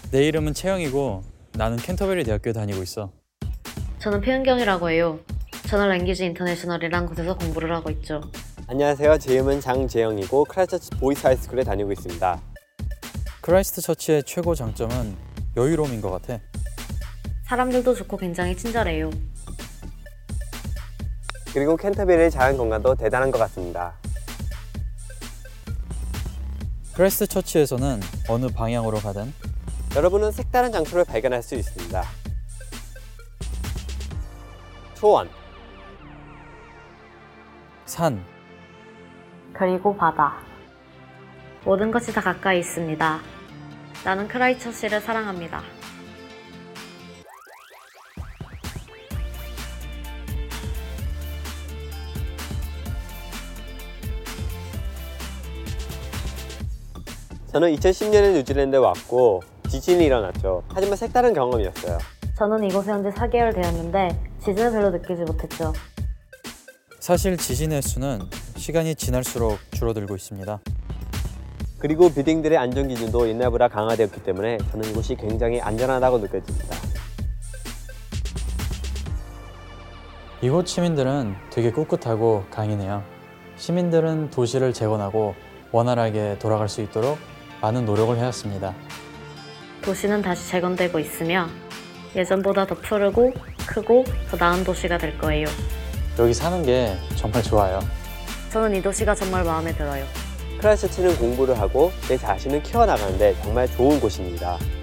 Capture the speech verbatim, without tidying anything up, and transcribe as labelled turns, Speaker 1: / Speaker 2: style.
Speaker 1: 내 이름은 채영이고 나는 캔터베리 대학교에 다니고 있어.
Speaker 2: 저는 표현경이라고 해요. 저는 랭귀지 인터내셔널이란 곳에서 공부를 하고 있죠.
Speaker 3: 안녕하세요. 제 이름은 장재영이고 크라이스트처치 보이스 하이스쿨에 다니고 있습니다.
Speaker 1: 크라이스트 처치의 최고 장점은 여유로움인 것 같아.
Speaker 2: 사람들도 좋고 굉장히 친절해요.
Speaker 3: 그리고 캔터베리의 자연 건강도 대단한 것 같습니다.
Speaker 1: 크라이스트 처치에서는 어느 방향으로 가든
Speaker 3: 여러분은 색다른 장소를 발견할 수 있습니다. 초원,
Speaker 1: 산,
Speaker 2: 그리고 바다. 모든 것이 다 가까이 있습니다. 나는 크라이처치를 사랑합니다.
Speaker 3: 저는 이천십 년에 뉴질랜드에 왔고 지진이 일어났죠. 하지만 색다른 경험이었어요.
Speaker 2: 저는 이곳에 온 지 사 개월 되었는데 지진을 별로 느끼지 못했죠.
Speaker 1: 사실 지진의 수는 시간이 지날수록 줄어들고 있습니다.
Speaker 3: 그리고 빌딩들의 안전 기준도 옛날보다 강화되었기 때문에 저는 이곳이 굉장히 안전하다고 느껴집니다.
Speaker 1: 이곳 시민들은 되게 꿋꿋하고 강인해요. 시민들은 도시를 재건하고 원활하게 돌아갈 수 있도록 많은 노력을 해왔습니다.
Speaker 2: 도시는 다시 재건되고 있으며 예전보다 더 푸르고 크고 더 나은 도시가 될 거예요.
Speaker 1: 여기 사는 게 정말 좋아요.
Speaker 2: 저는 이 도시가 정말 마음에 들어요.
Speaker 3: 크라이스트처치는 공부를 하고 내 자신을 키워나가는데 정말 좋은 곳입니다.